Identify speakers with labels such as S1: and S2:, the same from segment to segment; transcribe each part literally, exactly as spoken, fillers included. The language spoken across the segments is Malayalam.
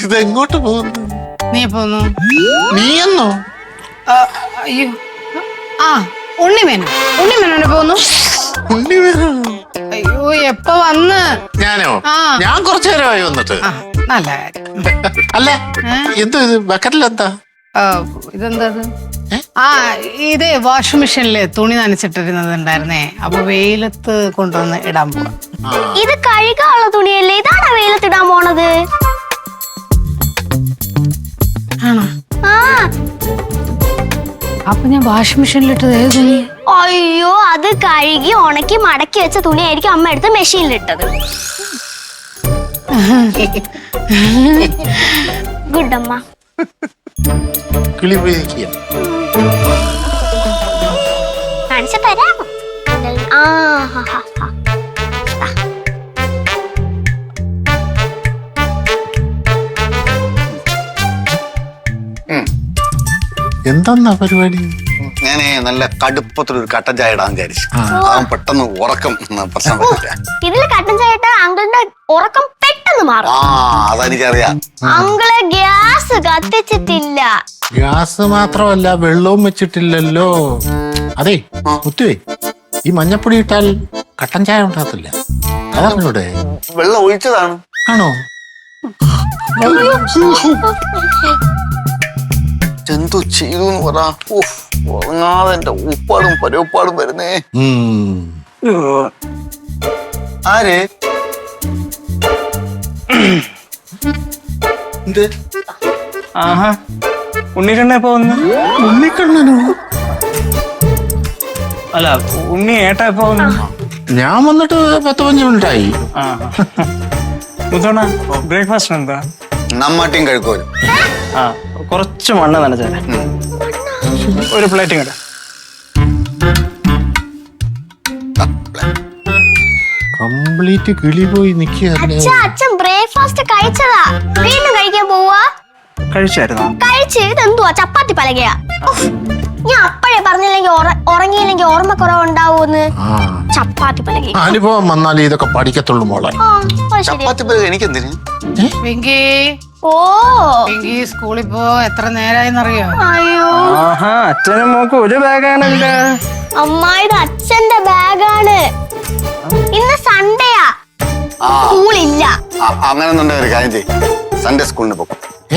S1: ഇതെങ്ങോട്ട് പോകുന്നു?
S2: നീ പോന്നു?
S1: നീയെന്നോ?
S2: അയ്യോ, ആ ഉണ്ണിമേനോ? ഉണ്ണിമേനോനെ പോന്നു?
S1: ഉണ്ണിമേനോ?
S2: അയ്യോ, എപ്പ വന്ന്?
S1: ഞാനോ? ഞാൻ കുറച്ചു നേരമായി വന്നിട്ട്.
S2: നല്ല കാര്യം.
S1: അല്ല, എന്തോ ഇത് ബക്കറ്റിലെന്താ?
S2: ഇതെന്താ? ആ, ഇത് വാഷിംഗ് മെഷീനില് തുണി നനച്ചിട്ടിരുന്നത് ഉണ്ടായിരുന്നേ. അപ്പൊ വെയിലത്ത് കൊണ്ടുവന്ന് ഇടാൻ പോവാ.
S3: ഇത് കഴുകാനുള്ള തുണിയല്ലേ? ഇതാണ് വെയിലത്ത് ഇടാൻ പോണത്?
S2: ആണോ?
S3: ആ,
S2: അപ്പൊ ഞാൻ വാഷിംഗ് മെഷീനിലിട്ടത് ഏത് തുണി?
S3: അയ്യോ, അത് കഴുകി ഉണക്കി മടക്കി വെച്ച തുണിയായിരിക്കും അമ്മ എടുത്ത് മെഷീനിലിട്ടത്. ഗുഡ് അമ്മ.
S1: കിളി പോയി നിൽക്കുക.
S3: കാണിച്ചു തരാമോ? ആ, ഹാ, ഹാ, ഹാ.
S1: എന്താ പരിപാടി?
S4: ഞാനേ നല്ല കടുപ്പത്തിലൊരു കട്ടൻ ചായ ഇടാൻ വിചാരിച്ചു. അവൻ പെട്ടെന്ന് ഉറക്കം പ്രശ്നം വരില്ല.
S3: ഇതില് കട്ടൻ ചായ ഇട്ടാൽ അങ്കിളിന്റെ ഉറക്കം പെട്ടെന്ന് മാറും.
S4: ആ, അതെനിക്കറിയാം.
S3: Uncle gas കത്തിച്ചിട്ടില്ല.
S1: ഗ്യാസ് മാത്രമല്ല, വെള്ളവും വെച്ചിട്ടില്ലല്ലോ. അതെ മുത്തുവേ, ഈ മഞ്ഞപ്പൊടി ഇട്ടാൽ കട്ടൻ ചായ ഉണ്ടാകത്തില്ല. അതറിഞ്ഞൂടെ?
S4: വെള്ളം ഒഴിച്ചതാണ്.
S1: ആണോ?
S4: എന്തോ ചെയ്തു എന്ന് പറ. ഉറങ്ങാതെ എന്റെ ഉപ്പാടും പരവപ്പാടും വരുന്നേ. ആര്? എന്ത്?
S5: ആഹാ, ഉണ്ണിക്കണ്ണ എപ്പോ വന്നു?
S1: ഉണ്ണിക്കണ്ണനോ?
S5: അല്ല, ഉണ്ണി ഏട്ടാ എപ്പോ വന്നു?
S1: ഞാൻ വന്നിട്ട് പത്ത് പഞ്ച് മിനിറ്റായി.
S5: മുത്തോണ, ബ്രേക്ക്ഫാസ്റ്റ് എന്താ?
S4: നമ്മാട്ടിയും കഴിക്കോലും.
S5: ആ, കുറച്ച് മണ്ണ് നനച്ചാലേ. ഒരു പ്ലേറ്റും കേട്ടോ.
S1: കംപ്ലീറ്റ് കിളി പോയി നിൽക്കുക.
S3: അച്ഛൻ ബ്രേക്ക്ഫാസ്റ്റ് കഴിച്ചതാ, വീണ്ടും കഴിക്കാൻ പോവാ?
S5: കഴിച്ചായിരുന്നോ?
S3: കഴിച്ച്. ഇതെന്തുവാ, ചപ്പാത്തി പലകയാ? ഞാൻ അപ്പഴേ പറഞ്ഞില്ലെങ്കിൽ ഉറങ്ങിയില്ലെങ്കിൽ ഓർമ്മക്കുറവുണ്ടാവൂന്ന്. ചപ്പാത്തി പലക
S1: അനുഭവം വന്നാലേ ഇതൊക്കെ പഠിക്കത്തുള്ളൂ മോളെ.
S4: ചപ്പാത്തി പലക എനിക്കെന്തിന്?
S2: വെങ്കി,
S3: ഓ
S2: വെങ്കി സ്കൂളിൽ പോ. എത്ര നേരായെന്നറിയോ?
S3: അയ്യോ,
S5: ആഹാ, അച്ഛനും മോക്കും ഒരു ബാഗാണല്ലോ.
S3: അമ്മ, ഇത് അച്ഛന്റെ ബാഗാണ്. ഇന്ന് സൺഡേയാ, സ്കൂളില്ല.
S4: അങ്ങനെ ഒരു കാര്യം ചെയ്യും, സൺഡേ സ്കൂളിന് പോകും.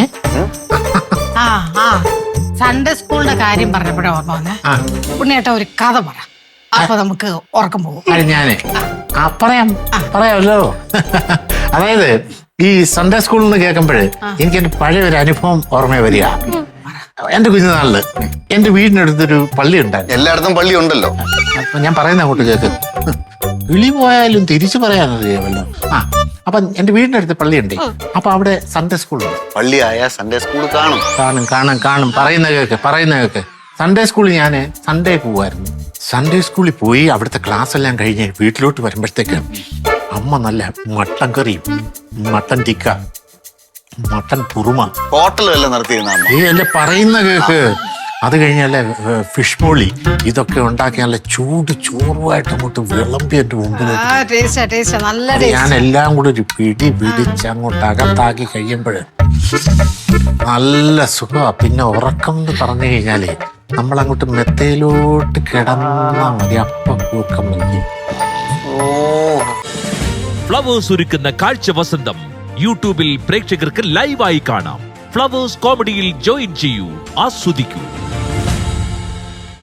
S2: ആ ആ സൺഡേ സ്കൂളിന്റെ കാര്യം പറഞ്ഞപ്പോഴേ ഓർമ്മ വന്നേ. ഉണ്ണിയേട്ടാ ഒരു കഥ പറ, അപ്പൊ നമുക്ക് ഉറക്കം പോകും.
S1: ഞാനേ പറയാം പറയാമല്ലോ. അതായത് ഈ സൺഡേ സ്കൂളിൽ നിന്ന് കേൾക്കുമ്പോഴേ എനിക്ക് എന്റെ പഴയ ഒരു അനുഭവം ഓർമ്മ വരിക. എന്റെ കുഞ്ഞുനാളില് എന്റെ വീടിനടുത്തൊരു പള്ളി ഉണ്ടായിരുന്നു.
S4: എല്ലായിടത്തും പള്ളി ഉണ്ടല്ലോ.
S1: അപ്പൊ ഞാൻ പറയുന്ന അങ്ങോട്ട് കേക്ക്. വിളി പോയാലും തിരിച്ചു പറയാനറിയാമല്ലോ. ആ, അപ്പൊ എന്റെ വീടിനടുത്ത് പള്ളിയുണ്ട്. അപ്പൊ അവിടെ സൺഡേ സ്കൂളുണ്ട്.
S4: പള്ളി ആയ സൺഡേ സ്കൂൾ കാണും
S1: കാണും കാണും കാണും പറയുന്ന കേക്ക് പറയുന്ന കേക്ക് സൺഡേ സ്കൂളിൽ ഞാൻ സൺഡേ പോവായിരുന്നു. സൺഡേ സ്കൂളിൽ പോയി അവിടുത്തെ ക്ലാസ് എല്ലാം കഴിഞ്ഞ് വീട്ടിലോട്ട് വരുമ്പോഴത്തേക്ക് അമ്മ നല്ല മട്ടൻ കറിയും മട്ടൻ ടിക്ക മട്ടൻ കുറുമ
S4: ഹോട്ടലും എല്ലാം നടത്തിയിരുന്ന
S1: ഏ അല്ലേ പറയുന്ന കേക്ക്. അത് കഴിഞ്ഞാല് ഫിഷ് മോളി ഇതൊക്കെ ഉണ്ടാക്കി നല്ല ചൂട് ചോറുമായിട്ട് അങ്ങോട്ട് വിളമ്പി എന്റെ മുമ്പിൽ. ഞാൻ എല്ലാം കൂടെ ഒരു പിടി പിടിച്ച് അങ്ങോട്ട് അകത്താക്കി കഴിയുമ്പോൾ നല്ല സുഖമാ. പിന്നെ ഉറക്കം എന്ന് പറഞ്ഞു കഴിഞ്ഞാലേ നമ്മളങ്ങോട്ട് മെത്തയിലോട്ട് കിടന്നാ മതി, അപ്പ കൂക്കം മതി.
S6: ഫ്ലവേഴ്സ് ഒരുക്കുന്ന കാഴ്ച വസന്തം യൂട്യൂബിൽ പ്രേക്ഷകർക്ക് ലൈവായി കാണാം. ഫ്ലവേഴ്സ് കോമഡിയിൽ ജോയിൻ ചെയ്യൂ, ആസ്വദിക്കൂ.